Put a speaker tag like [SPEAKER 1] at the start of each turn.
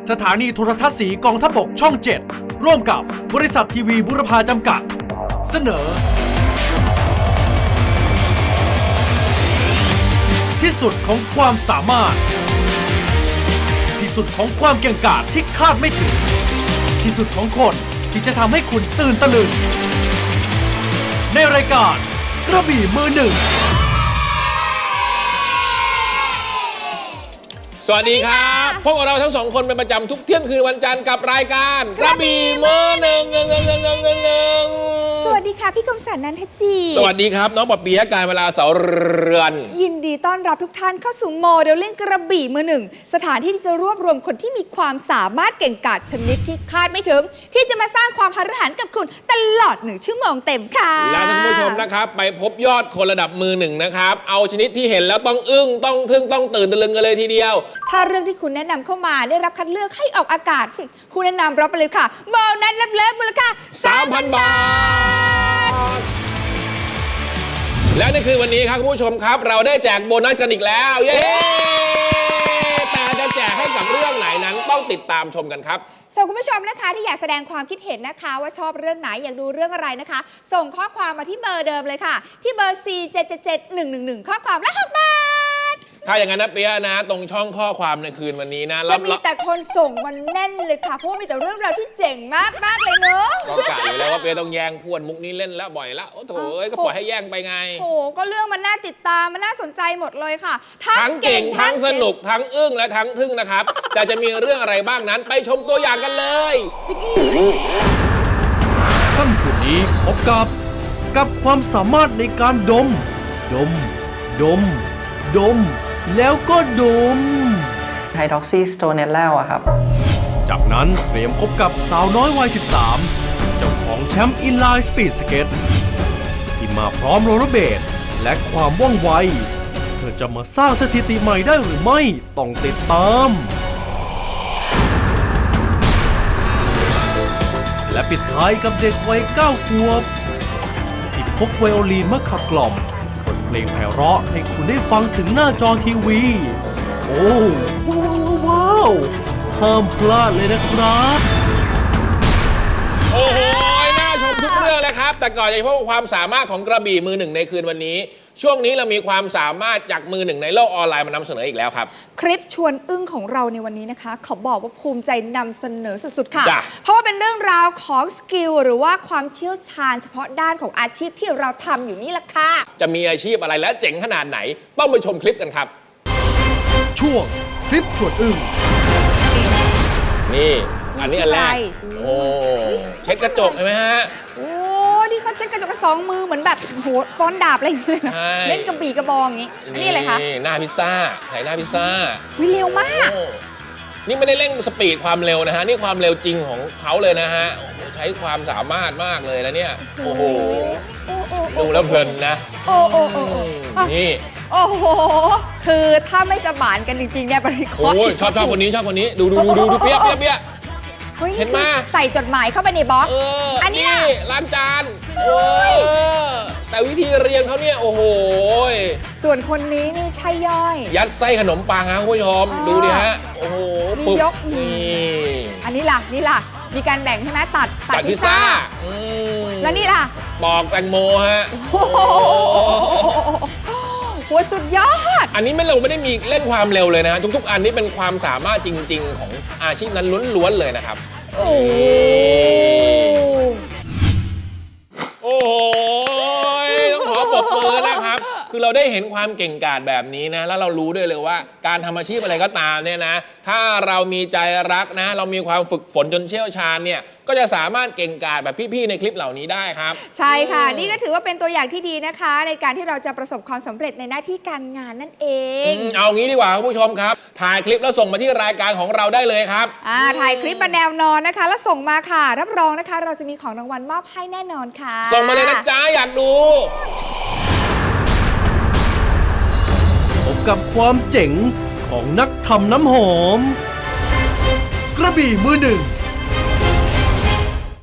[SPEAKER 1] สถานีโทรทัศน์สีกองทัพบกช่อง 7 ร่วมกับบริษัททีวีบุรพาจำกัด เสนอ ที่สุดของความสามารถ ที่สุดของความเก่งกาจที่คาดไม่ถึง ที่สุดของคนที่จะทำให้คุณตื่นตะลึง ในรายการกระบี่มือหนึ่ง
[SPEAKER 2] สวัสดีครับพวกเราทั้งสองคนเป็นประจำทุกเที่ยงคืนวันจันทร์กับรายการกระบี่มือหนึ่ง
[SPEAKER 3] สวัสดีค่ะพี่คมสันต์นันทจี
[SPEAKER 2] สวัสดีครับน้องปะเปียกการเวลาเสาเรือน
[SPEAKER 3] ยินดีต้อนรับทุกท่านเข้าสู่โมเดลลิ่งกระบี่มือหนึ่งสถานที่ที่จะรวบรวมคนที่มีความสามารถเก่งกาจชนิดที่คาดไม่ถึงที่จะมาสร้างความหฤหันกับคุณตลอด1 ชั่วโมงเต็มค่ะ
[SPEAKER 2] และท่านผู้ชมนะครับไปพบยอดคนระดับมือหนึ่งนะครับเอาชนิดที่เห็นแล้วต้องอึ้งต้องทึ่งต้องตื่นตะลึงกันเลยทีเดียว
[SPEAKER 3] ถ้าเรื่องที่คุณแนะนำเข้ามาได้รับคัดเลือกให้ออกอากาศคุณแนะนำรับไปเลยค่ะโบนัสเลิศมูลค่า
[SPEAKER 2] 3,000 บาทและในคืนวันนี้ครับคุณผู้ชมครับเราได้แจกโบนัสกันอีกแล้วเย้แต่จะแจกให้กับเรื่องไหนนั้นต้องติดตามชมกันครับ
[SPEAKER 3] ส่วนคุณผู้ชมนะคะที่อยากแสดงความคิดเห็นนะคะว่าชอบเรื่องไหนอยากดูเรื่องอะไรนะคะส่งข้อความมาที่เบอร์เดิมเลยค่ะที่เบอร์ 4777111 ข้อความละ6 บาท
[SPEAKER 2] ถ้าอย่างนั้นนะเปียนะตรงช่องข้อความในคืนวันนี้นะ
[SPEAKER 3] จะมีแต่คนส่งมันแน่นเลยค่ะเพราะว่ามีแต่เรื่องราวที่เจ๋งมากเลยเนอะ
[SPEAKER 2] ก็กะอยู่แล้วว่าเปียต้องแย่งพวนมุกนี้เล่นแล้วบ่อยแล้วโอ้โถก็ปล่อยให้แย่งไปไง
[SPEAKER 3] โอ้ก็เรื่องมันน่าติดตามมันน่าสนใจหมดเลยค่ะ
[SPEAKER 2] ทั้งเก่งทั้งสนุกทั้งอึ้งและทั้งทึ่งนะครับแต่จะมีเรื่องอะไรบ้างนั้นไปชมตัวอย่างกันเลย
[SPEAKER 1] ค่ำคืนนี้พบกับความสามารถในการดม แล้วก็ดม
[SPEAKER 4] ไฮดรอกซีสโตเนลแล้วอะครับ
[SPEAKER 1] จากนั้นเตรียมพบกับสาวน้อยวัย 13 เจ้าของแชมป์อินไลน์สปีดสเก็ตที่มาพร้อมโรลเลอร์เบดและความว่องไวเธอจะมาสร้างสถิติใหม่ได้หรือไม่ต้องติดตามและปิดท้ายกับเด็กวัย 9 ขวบที่พกไวโอลินมาขับกล่อมบทเพลงไพเราะให้คุณได้ฟังถึงหน้าจอทีวีโอ้ว้าวห้ามพลาดเลยนะครับ
[SPEAKER 2] โอ้โหน่าชมทุกเรื่องเลยครับแต่ก่อนจะพบกับความสามารถของกระบี่มือหนึ่งในคืนวันนี้ช่วงนี้เรามีความสามารถจากมือหนึ่งในโลกออนไลน์มานำเสนออีกแล้วครับ
[SPEAKER 3] คลิปชวนอึ้งของเราในวันนี้นะคะเขาบอกว่าภูมิใจนำเสนอสุดๆค่ะเพราะว่าเป็นเรื่องราวของสกิลหรือว่าความเชี่ยวชาญเฉพาะด้านของอาชีพที่เราทำอยู่นี่แหละค่ะ
[SPEAKER 2] จะมีอาชีพอะไรและเจ๋งขนาดไหนต้องไปชมคลิปกันครับ
[SPEAKER 1] ช่วงคลิปชวนอึ้ง
[SPEAKER 2] นี่อันนี้อันแรกโอ้เช็ดกระจกเห็นไหมฮะ
[SPEAKER 3] โอ้ที่เขาเช็ดกระจกกับ2 มือเหมือนแบบโหฟ้อนดาบอะไรอย่างเงี้ยเล่นกระบี่กระบองอย่างงี้อันนี้อะไรคะ
[SPEAKER 2] หน้าพิซซ่าถ่ายหน้าพิซซ่า
[SPEAKER 3] วิเร็วมาก
[SPEAKER 2] นี่ไม่ได้เร่งสปีดความเร็วนะฮะนี่ความเร็วจริงของเขาเลยนะฮะใช้ความสามารถมากเลยนะเนี่ยโอ้โหดูแล้วเพลินนะ
[SPEAKER 3] โอ้
[SPEAKER 2] นี่
[SPEAKER 3] โอ้โหคือถ้าไม่สมานกันจริงๆเนี่ยบริคอ
[SPEAKER 2] ร์ดชอบคนนี้ดูเปี้ยเห็นไหม
[SPEAKER 3] ใส่จดหมายเข้าไปในบล็อก
[SPEAKER 2] อันนี้ล้างจานแต่วิธีเรียงเขาเนี่ยโอ้โห
[SPEAKER 3] ส่วนคนนี้นี่ใช่ย่อย
[SPEAKER 2] ยัดไส้ขนมปังฮะคุณผู้ชมดูดิฮะโอ้โห
[SPEAKER 3] มียกนี่อันนี้ล่ะมีการแบ่งใช่ไหมตัด
[SPEAKER 2] พิซซ่า
[SPEAKER 3] แล้วนี่ล่ะ
[SPEAKER 2] ปอกแตงโมฮะ
[SPEAKER 3] โหสุดยอด
[SPEAKER 2] อันนี้เราไม่ได้มีเล่นความเร็วเลยนะฮะทุกๆอันนี้เป็นความสามารถจริงๆของอาชีพนั้นล้วนๆเลยนะครับโอ้โหต้องขอปรบมือนะครับคือเราได้เห็นความเก่งกาจแบบนี้นะแล้วเรารู้ด้วยเลยว่าการทำอาชีพอะไรก็ตามเนี่ยนะถ้าเรามีใจรักนะเรามีความฝึกฝนจนเชี่ยวชาญเนี่ยก็จะสามารถเก่งกาจแบบพี่ๆในคลิปเหล่านี้ได้ครับ
[SPEAKER 3] ใช่ค่ะนี่ก็ถือว่าเป็นตัวอย่างที่ดีนะคะในการที่เราจะประสบความสำเร็จในหน้าที่การงานนั่นเอง
[SPEAKER 2] เอางี้ดีกว่าคุณผู้ชมครับถ่ายคลิปแล้วส่งมาที่รายการของเราได้เลยครับ
[SPEAKER 3] ถ่ายคลิปมาแนวนอนนะคะแล้วส่งมาค่ะรับรองนะคะเราจะมีของรางวัลมอบให้แน่นอนค่ะ
[SPEAKER 2] ส่งมาเลยนะจ๊ะอยากดู
[SPEAKER 1] พบกับความเจ๋งของนักทำน้ำหอมกระบี่มือหนึ่ง